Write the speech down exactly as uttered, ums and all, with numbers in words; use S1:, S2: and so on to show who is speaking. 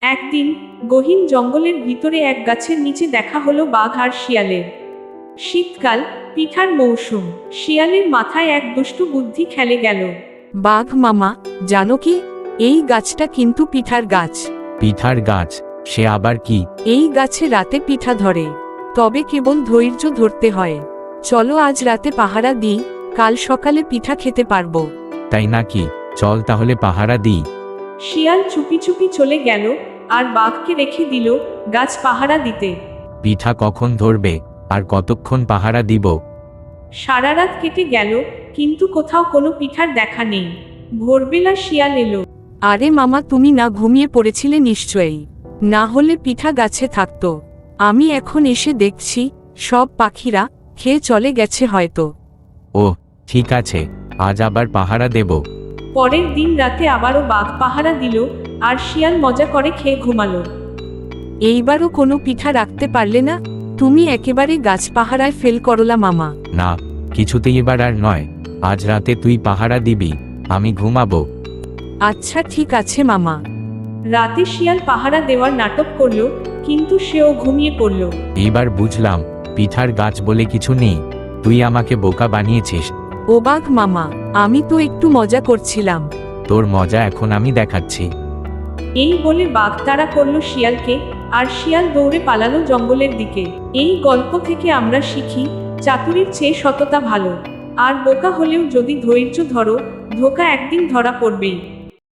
S1: একদিন গহীন জঙ্গলের ভিতরে এক গাছের নিচে দেখা হলো বাঘ আর শিয়ালের। শীতকাল, পিঠার মৌসুম। শিয়ালের মাথায় এক দুষ্টু বুদ্ধি খেলে গেল।
S2: বাঘ মামা, জানো কি, এই গাছটা কিন্তু পিঠার গাছ।
S3: পিঠার গাছ? সে আবার কি?
S2: এই গাছে রাতে পিঠা ধরে, তবে কেবল ধৈর্য ধরতে হয়। চলো আজ রাতে পাহারা দিই, কাল সকালে পিঠা খেতে পারবো।
S3: তাই নাকি? চল তাহলে পাহারা দিই।
S1: শিয়াল চুপি চুপি চলে গেল আর বাঘকে রেখে দিল গাছ পাহারা দিতে।
S3: পিঠা কখন ধরবে আর কতক্ষণ পাহারা দিব?
S1: সারা রাত কেটে গেল, কিন্তু কোথাও কোনো পিঠার দেখা নেই। ভোরবেলা শিয়াল এলো।
S2: আরে মামা, তুমি না ঘুমিয়ে পড়েছিলে নিশ্চয়ই, না হলে পিঠা গাছে থাকতো। আমি এখন এসে দেখছি সব পাখিরা খেয়ে চলে গেছে হয়তো।
S3: ও ঠিক আছে, আজ আবার পাহারা দেব।
S1: পরের দিন রাতে আবারও বাঘ পাহারা দিল আর শিয়াল মজা করে খেয়ে ঘুমালো।
S2: এইবারও কোনো পিঠা রাখতে পারলে না, তুমি একেবারে গাছ পাহারায় ফেল করলা মামা।
S3: না, কিছুতেই এবার আর নয়। আজ রাতে তুই পাহারা দিবি, আমি ঘুমাবো।
S2: আচ্ছা ঠিক আছে মামা।
S1: রাতে শিয়াল পাহারা দেওয়ার নাটক করলো, কিন্তু সেও ঘুমিয়ে পড়ল।
S3: এইবার বুঝলাম পিঠার গাছ বলে কিছু নেই। তুই আমাকে বোকা বানিয়েছিস।
S2: ও বাঘ মামা, আমি তো একটু মজা করছিলাম।
S3: তোর মজা এখন আমি দেখাচ্ছি।
S1: এই বলে বাঘ তাড়া করলো শিয়ালকে, আর শিয়াল দৌড়ে পালালো জঙ্গলের দিকে। এই গল্প থেকে আমরা শিখি, চাতুরীর চেয়ে সততা ভালো। আর বোকা হলেও যদি ধৈর্য ধরো, ধোঁকা একদিন ধরা পড়বেই।